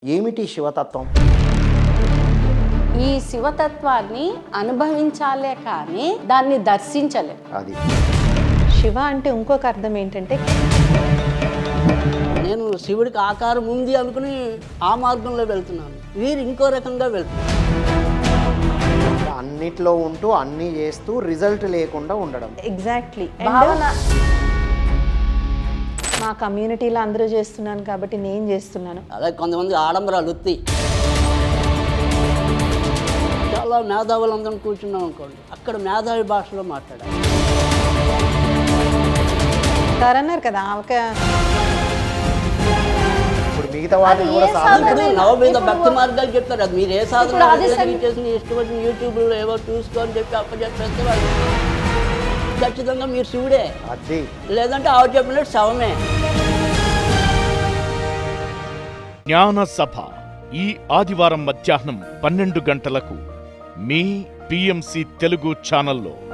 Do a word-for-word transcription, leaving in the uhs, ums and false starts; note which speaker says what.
Speaker 1: ఏమిటి శివతత్వం?
Speaker 2: ఈ శివతత్వాన్ని అనుభవించాలే కానీ దాన్ని దర్శించలే.
Speaker 1: అది
Speaker 3: శివ అంటే ఇంకొక అర్థం ఏంటంటే,
Speaker 4: నేను శివుడికి ఆకారం ఉంది అనుకుని ఆ మార్గంలో వెళ్తున్నాను, వీరు ఇంకో రకంగా వెళ్తున్నారు.
Speaker 1: అన్నిట్లో ఉంటూ అన్నీ చేస్తూ రిజల్ట్ లేకుండా ఉండడం.
Speaker 3: ఎగ్జాక్ట్లీ.
Speaker 2: భావన
Speaker 3: మా కమ్యూనిటీలో అందరూ చేస్తున్నాను కాబట్టి నేను చేస్తున్నాను.
Speaker 4: అలాగే కొంతమంది ఆడంబరాలు వృత్తి, చాలా మేధావులందరం కూర్చున్నాం అనుకోండి, అక్కడ మేధావి భాషలో మాట్లాడాలి.
Speaker 3: సార్ అన్నారు కదా ఒక
Speaker 1: ఇప్పుడు మిగతా వాటిని కూడా
Speaker 2: ఏ
Speaker 1: సాధన
Speaker 4: ఇప్పుడు
Speaker 2: సాధన?
Speaker 4: నవమీద
Speaker 2: ఇప్పుడు-
Speaker 4: భక్తి మార్గాలు చెప్తారు, అది మీరు ఏ
Speaker 2: ఇప్పుడు
Speaker 4: సాధన
Speaker 2: అది సం-
Speaker 4: చేసిన ఇష్టం వచ్చిన యూట్యూబ్లో ఏవో చూసుకొని చెప్పి అప్పచెప్పేస్తే వాళ్ళు ఖచ్చితంగా మీరు శివుడే,
Speaker 1: అది
Speaker 4: లేదంటే ఆవిడ చెప్పినట్టు శవమే.
Speaker 5: జ్ఞాన సభ ఈ ఆదివారం మధ్యాహ్నం పన్నెండు గంటలకు మీ పిఎంసి తెలుగు ఛానల్లో.